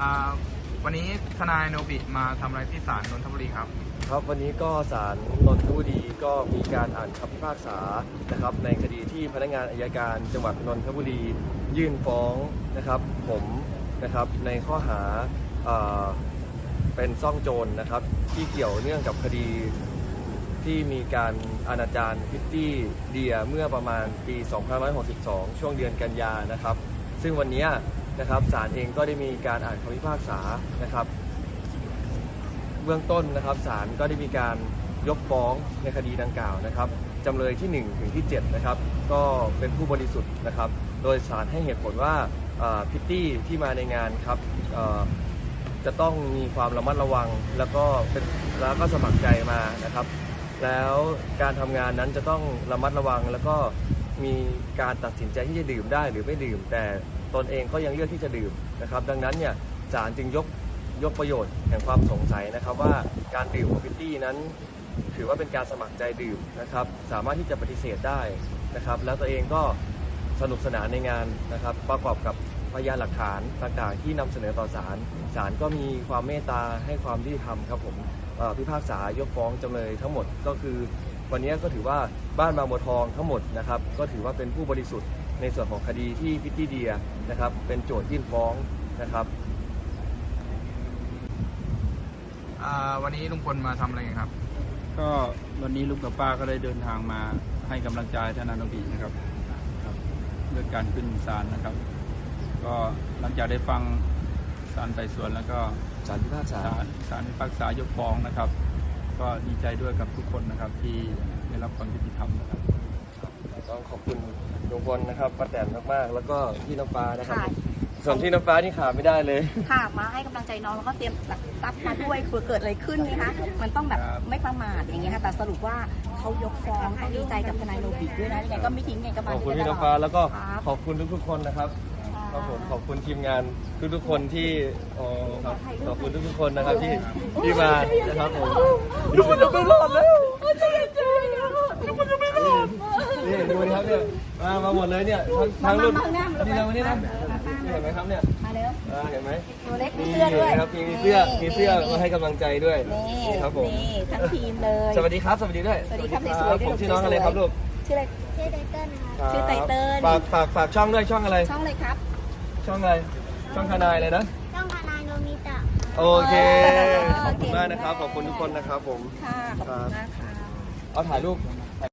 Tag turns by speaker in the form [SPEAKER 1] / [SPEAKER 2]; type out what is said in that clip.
[SPEAKER 1] วันนี้ทนายโนบิมาทำอะไรที่ศาลนนทบุรีครับ
[SPEAKER 2] ครับวันนี้ก็ศาลนนทบุรีก็มีการอ่านคำพิพากษานะครับในคดีที่พนักงานอัยการจังหวัดนนทบุรียื่นฟ้องนะครับผมนะครับในข้อหาเป็นซ่องโจรนะครับที่เกี่ยวเนื่องกับคดีที่มีการอนาจารพิตตี้เดียเมื่อประมาณปี 2562 ช่วงเดือนกันยานะครับซึ่งวันนี้นะครับศาลเองก็ได้มีการอ่านคำพิพากษานะครับเบื้องต้นนะครับศาลก็ได้มีการยกฟ้องในคดีดังกล่าวนะครับจำเลยที่1ถึงที่7นะครับก็เป็นผู้บริสุทธิ์นะครับโดยศาลให้เหตุผลว่าพิตตี้ที่มาในงานครับจะต้องมีความระมัดระวังแล้วก็สมัครใจมานะครับแล้วการทำงานนั้นจะต้องระมัดระวังแล้วก็มีการตัดสินใจที่จะดื่มได้หรือไม่ดื่มแต่ตนเองก็ยังเลือกที่จะดื่มนะครับดังนั้นเนี่ยศาลจึงยกประโยชน์แห่งความสงสัยนะครับว่าการดื่มของพิตตี้นั้นถือว่าเป็นการสมัครใจดื่มนะครับสามารถที่จะปฏิเสธได้นะครับแล้วตัวเองก็สนุกสนานในงานนะครับประกอบกับพยานหลักฐานต่างๆที่นำเสนอต่อศาลก็มีความเมตตาให้ความยุติธรรมครับผมพิพากษายกฟ้องจำเลยทั้งหมดก็คือวันนี้ก็ถือว่าบ้านบางบัวทองทั้งหมดนะครับก็ถือว่าเป็นผู้บริสุทธิ์ในส่วนของคดีที่พิตตี้เดียนะครับเป็นโจทยื่นฟ้องนะครับ
[SPEAKER 1] วันนี้ลุงพลมาทำอะไรกันครับ
[SPEAKER 3] ก็วันนี้ลุงกับป้าก็ได้เดินทางมาให้กำลังใจทนายโนบินะครับเรื่องการขึ้นศาลนะครับก็หลังจากได้ฟังศาลไต่สวนแล้วก็
[SPEAKER 2] ศาลพิพากษ
[SPEAKER 3] ายกฟ้องนะครับก็ดีใจด้วยกับทุกคนนะครับที่ได้รับความยุติธรรมนะครับ
[SPEAKER 2] ต้องขอบคุณลุงพลนะครับป้าแตนมากๆแล้วก็พี่น้ำฟ้านะครับส่วนที่น้ำฟ้านี่ขาดไม่ได้เลย
[SPEAKER 4] ค่ะมาให้กำลังใจน้องแล้วก็เตรียมหลักทรัพย์มาด้วยเกิดอะไรขึ้นนะคะมันต้องแบบไม่ประมาทอย่างเงี้ยค่ะแต่สรุปว่าเขายกฟ้องเขาดีใจกับทนายโนบิด้วยนะยังไงก็ไม่ทิ้งไงก็มา
[SPEAKER 2] ขอบคุณพี่น้ำฟ้าแล้วก็ขอบคุณทุกๆคนนะครับผมขอบคุณทีมงานทุกๆคนที่ขอบคุณทุกๆคนนะครับที่มานะครับผมทุกคนจะไม่รอดแล้วทุกคนจะไม่รอดนี่ดูนะครับเนี่ยมาหมดเลยเนี่ยทั้งรุ่นนี่เราเนี่ยนะเห็นไหมครับเนี่ย
[SPEAKER 4] มาเร็ว
[SPEAKER 2] เห็นไหม
[SPEAKER 4] ตัวเล็กมีเสื้อด้วย
[SPEAKER 2] ครับมีเสื้อมาให้กำลังใจด้วย
[SPEAKER 4] นี่ครับผมนี่ทั้งทีมเลย
[SPEAKER 2] สวัสดีครับสวัสดีด้วย
[SPEAKER 4] สวัสดีครับสวยๆ
[SPEAKER 2] ผมชื่อน้องอะไรครับลูก
[SPEAKER 4] ชื่ออะไรชื่อไตเติ้ลครับชื่อไตเติ้ล
[SPEAKER 2] ฝากช่องด้วยช่องอะไร
[SPEAKER 4] ช่องอะไรครับ
[SPEAKER 2] ช่องอะไรช่องทนายเลยนะ
[SPEAKER 4] ช่องทนายโนมิตะ
[SPEAKER 2] โอเคขอบคุณมากนะครับขอบคุณทุกคนนะครับผม
[SPEAKER 4] ค่ะขอบคุณมากค่ะ
[SPEAKER 2] เอาถ่ายรูป